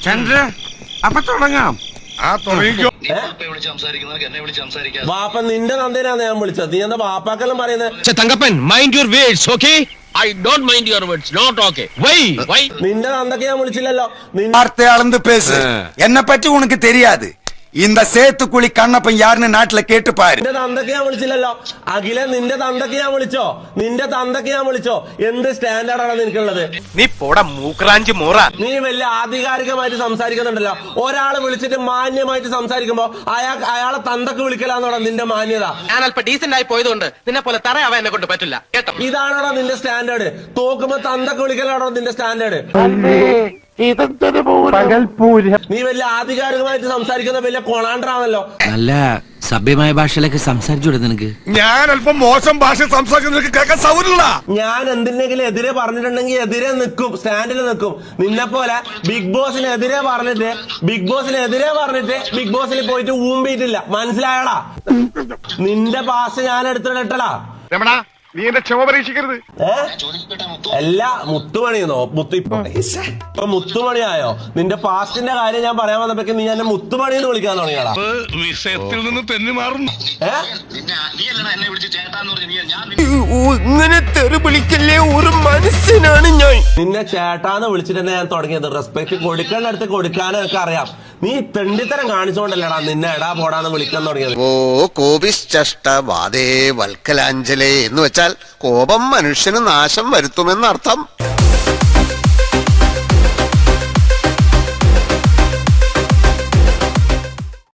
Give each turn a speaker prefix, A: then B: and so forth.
A: ചന്ദ്ര അപ്പൊ തുടങ്ങാം.
B: വാപ്പ നിന്റെ നന്ദേനാണ് ഞാൻ വിളിച്ചത്. നീ എന്താ വാപ്പാക്കെല്ലാം പറയുന്നത്?
C: Thankappan mind your words. Okay, I don't mind your words. Not okay. Why
B: നിന്റെ നന്ദക്ക് ഞാൻ വിളിച്ചില്ലല്ലോ.
D: வார்த்தை அளந்து பேசு. என்ன பற்றி உனக்கு தெரியாது. இந்த சேத்துக்குழി കണ്ണപ്പൻ யாருன்னு നാട്ടിലെ കേട്ട് പാரு.
B: നിന്റെ തന്തക്ക് ഞാൻ വിളിച്ചില്ലല്ലോ. അഖില നിന്റെ തന്തക്ക് ഞാൻ വിളിച്ചോ? നിന്റെ തന്തക്ക് ഞാൻ വിളിച്ചോ? എന്ത് സ്റ്റാൻഡേർഡാണ് നിനക്കുള്ളത്?
A: നീ പോടാ മൂക്രാഞ്ച് മോറ.
B: നീ വലിയ ആധികാരികമായിട്ട് സംസാരിക്കുന്നുണ്ടല്ലോ. ഒരാളെ വിളിച്ചിട്ട് മാന്യമായിട്ട് സംസാരിക്കുമ്പോ അയാളെ തന്തക്ക് വിളിക്കലാന്നോടാ നിന്റെ മാന്യത.
C: ഞാൻ അല്പം ഡീസന്റ് ആയി പോയതുകൊണ്ട് നിന്നെ പോലെ തറയാവാൻ എന്നെ കൊണ്ട് പറ്റില്ല കേട്ടോ.
B: ഇതാണോടാ നിന്റെ സ്റ്റാൻഡേർഡ്? തോക്കുമ്പോ തന്തക്ക് വിളിക്കലാണോ നിന്റെ സ്റ്റാൻഡേർഡ്? നീ വലിയ ആധികാരികമായിട്ട് സംസാരിക്കുന്ന വലിയ കൊണാണ്ടറാണല്ലോ.
E: നല്ല സഭ്യമായ ഭാഷയിലൊക്കെ സംസാരിച്ചൂടെ നിനക്ക്?
A: ഞാൻ അല്പം മോശം ഭാഷ സംസാരിക്കുന്ന കേൾക്കാൻ സൗകര്യമില്ല.
B: ഞാൻ എന്തിനെങ്കിലും എതിരെ പറഞ്ഞിട്ടുണ്ടെങ്കിൽ എതിരെ നിൽക്കും, സ്റ്റാൻഡിൽ നിൽക്കും. നിന്നെ പോലെ ബിഗ് ബോസിനെതിരെ പറഞ്ഞിട്ട് ബിഗ് ബോസിൽ പോയിട്ട് ഊമ്പിയിട്ടില്ല. മനസ്സിലായടാ? നിന്റെ ഭാഷ ഞാൻ എടുത്തിട്ടടാ.
A: നീ എന്റെ ക്ഷമ പരീക്ഷിക്കരുത്.
B: എല്ലാ മുത്തുമണിയെന്നോ ഇപ്പൊ മുത്തുമണിയായോ? നിന്റെ പാസ്റ്റിന്റെ കാര്യം ഞാൻ പറയാൻ വന്നപ്പോഴേക്കും നീ എന്നെ മുത്തുമണി എന്ന് വിളിക്കാൻ തുടങ്ങിയാടാ.
A: വിഷയത്തിൽ നിന്ന് തെന്നി മാറുന്നു.
D: ഇങ്ങനെ തെറി വിളിക്കല്ലേ ഒരു മനുഷ്യനാണ് ഞാൻ.
B: നിന്നെ ചേട്ടാന്ന് വിളിച്ചിട്ട് തന്നെ ഞാൻ തുടങ്ങിയത്. റെസ്പെക്ട് കൊടുക്കേണ്ടടുത്ത് കൊടുക്കാനും ഒക്കെ അറിയാം. നീ തെണ്ടിത്തരം കാണിച്ചോണ്ടല്ലടാ നിന്നെ എടാ പോടാന്ന് വിളിക്കാൻ തുടങ്ങിയത്.
F: ഓ കോപിശ്ചഷ്ട വാദേ വൽക്കലാഞ്ജലേ എന്ന് വെച്ചാൽ കോപം മനുഷ്യന് നാശം വരുത്തുമെന്നർത്ഥം.